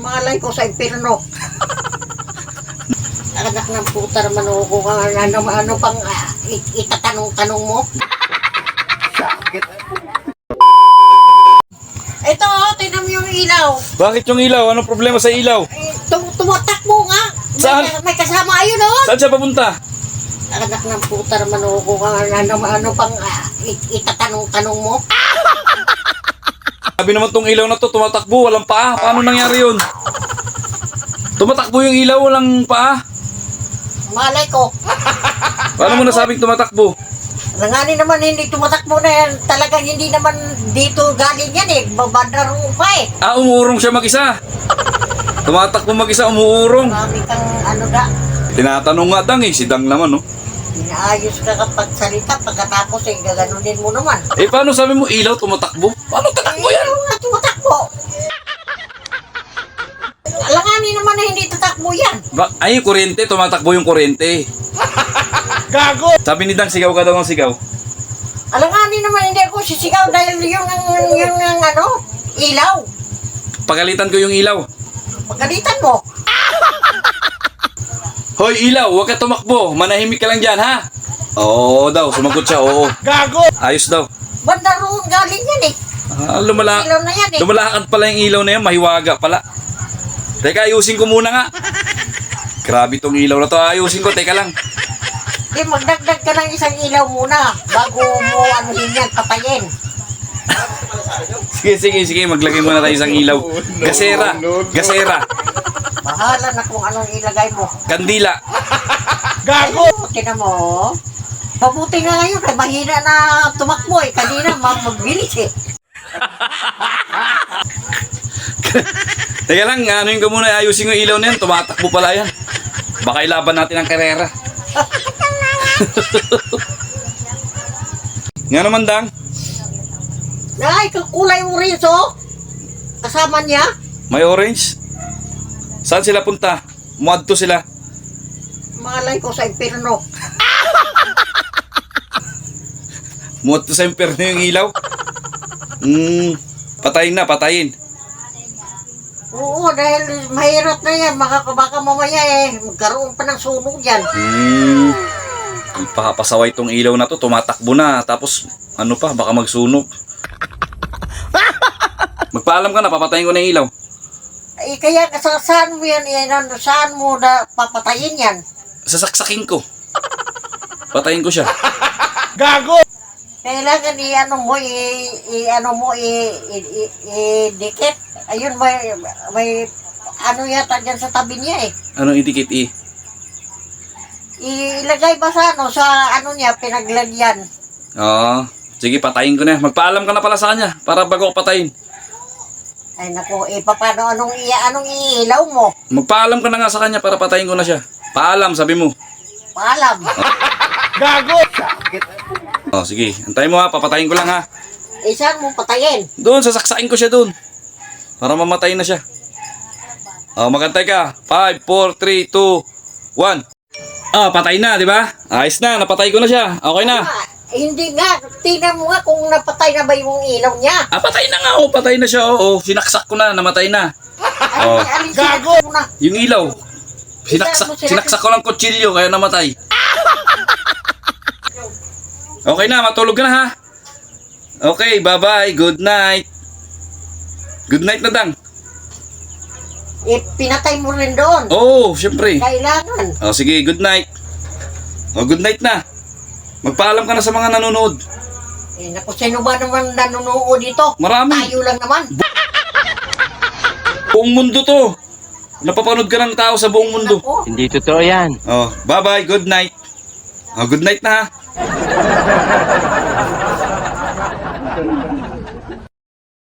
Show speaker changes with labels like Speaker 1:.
Speaker 1: Malay ko sa impirno. Anak ng puta naman ako kung ano pang itatanong-tanong mo.
Speaker 2: Sakit.
Speaker 1: Ito, tinan mo yung ilaw.
Speaker 3: Bakit yung ilaw? Anong problema sa ilaw?
Speaker 1: Tumatakbo nga.
Speaker 3: Saan?
Speaker 1: May kasama ayun, oh.
Speaker 3: Saan siya papunta?
Speaker 1: Anak ng puta naman ako kung ano pang itatanong-tanong mo.
Speaker 3: Sabi naman tong ilaw na to, tumatakbo, walang paa. Paano nangyari yun? Tumatakbo yung ilaw, walang paa.
Speaker 1: Malay ko.
Speaker 3: Paano mo nasabing tumatakbo?
Speaker 1: Langani naman hindi tumatakbo na yan. Talagang hindi naman dito galing yan eh. Babandaro pa eh.
Speaker 3: Ah, umuurong siya mag-isa. Tumatakbo mag-isa, umuurong.
Speaker 1: Marami kang ano da.
Speaker 3: Tinatanong nga Dang eh, si Dang naman, no?
Speaker 1: Inaayos ka kapag salita. Pagkatapos eh, gaganunin mo naman.
Speaker 3: Eh, paano sabi mo ilaw tumatakbo? Paano tatakbo yan?
Speaker 1: Ayaw nga tumatakbo. Langani naman na hindi tatakbo yan.
Speaker 3: Ay, yung kuryente, tumatakbo yung kuryente.
Speaker 2: Gago!
Speaker 3: Sabi ni Dang, sigaw ka daw ng sigaw.
Speaker 1: Alanganin naman hindi ako sisigaw dahil yung ano, ilaw.
Speaker 3: Pagalitan ko yung ilaw.
Speaker 1: Pagalitan mo.
Speaker 3: Hoy, ilaw, huwag ka tumakbo. Manahimik ka lang dyan, ha? Oo daw, sumagot siya, oo.
Speaker 2: Gago!
Speaker 3: Ayos daw.
Speaker 1: Banda roon galing yan eh.
Speaker 3: Ah,
Speaker 1: Ilaw na yan eh.
Speaker 3: lumalakad pala yung ilaw na yan, mahiwaga pala. Teka, ayusin ko muna nga. Grabe tong ilaw na to, ayusin ko, teka lang.
Speaker 1: Di magdagdag ka ng isang ilaw muna bago mo ano din yan, patayin.
Speaker 3: Sige, maglagay muna tayo isang ilaw. Gasera, gasera,
Speaker 1: Bahala na kung anong ilagay mo.
Speaker 3: kandila.
Speaker 2: Gago!
Speaker 1: Tinan mo. Mabuti nga ngayon, kaya mahina na tumakbo eh. Kanina magbilis eh.
Speaker 3: Teka lang, anuin ko muna, ayusin ko yung ilaw na yan, tumatakbo pala yan. Baka ilaban natin ang karera. Nga naman, Dang.
Speaker 1: Ay, kulay orange oh. Kasama niya.
Speaker 3: May orange? Saan sila punta? Muadto sila.
Speaker 1: Malay ko sa impirno.
Speaker 3: Muadto sa impyerno yung ilaw. Patayin na, patayin.
Speaker 1: Oo, dahil mahirap na yan. Baka mamaya eh, magkaroon pa ng sunog yan.
Speaker 3: Papasaway tong ilaw na to, tumatakbo na. Tapos, ano pa, baka magsunog. Magpaalam ka na, papatayin ko na yung ilaw.
Speaker 1: Eh, kaya saan mo yan, saan mo na papatayin yan?
Speaker 3: Sasaksakin ko. Patayin ko siya.
Speaker 2: Gago!
Speaker 1: Kailangan dikit. Ayun, may ano yata dyan sa tabi niya eh.
Speaker 3: Anong idikit eh?
Speaker 1: Ilagay ba sa ano niya, pinaglagyan.
Speaker 3: Oo. Sige, patayin ko na. Magpaalam ka na pala sa kanya para bago ko patayin.
Speaker 1: Ay naku, paano anong iilaw mo?
Speaker 3: Magpaalam ka na nga sa kanya para patayin ko na siya. Paalam, sabi mo.
Speaker 1: Paalam.
Speaker 2: Gago! Sakit.
Speaker 3: Oh, sige. Antayin mo ha, papatayin ko lang ha.
Speaker 1: Saan mo patayin?
Speaker 3: Doon, sasaksain ko siya doon. Para mamatay na siya. Oh, magantay ka. 5, 4, 3, 2, 1. Oh, patay na, di ba? Ayos na, napatay ko na siya. Okay na.
Speaker 1: Hindi nga, tingnan mo nga kung napatay na ba yung ilaw niya.
Speaker 3: Ah, patay na nga. Oh, patay na siya. Oo, sinaksak ko na, namatay na. Oh.
Speaker 2: Gago!
Speaker 1: Mo na.
Speaker 3: Yung ilaw. Sinaksak ko ng kutsilyo, kaya namatay. Okay na, matulog ka na ha. Okay, bye-bye. Good night. Good night na, Dang.
Speaker 1: Pinatay mo rin doon.
Speaker 3: Oh, syempre.
Speaker 1: Kailangan.
Speaker 3: Oh, sige, good night. Oh, good night na. Magpaalam ka na sa mga nanonood.
Speaker 1: Naku, sino ba naman nanonood dito?
Speaker 3: Marami.
Speaker 1: Tayo lang naman.
Speaker 3: Buong mundo to. Napapanood ka ng tao sa buong mundo.
Speaker 1: Naku.
Speaker 2: Hindi totoo yan.
Speaker 3: Oh, bye-bye. Good night. Oh, good night na ha.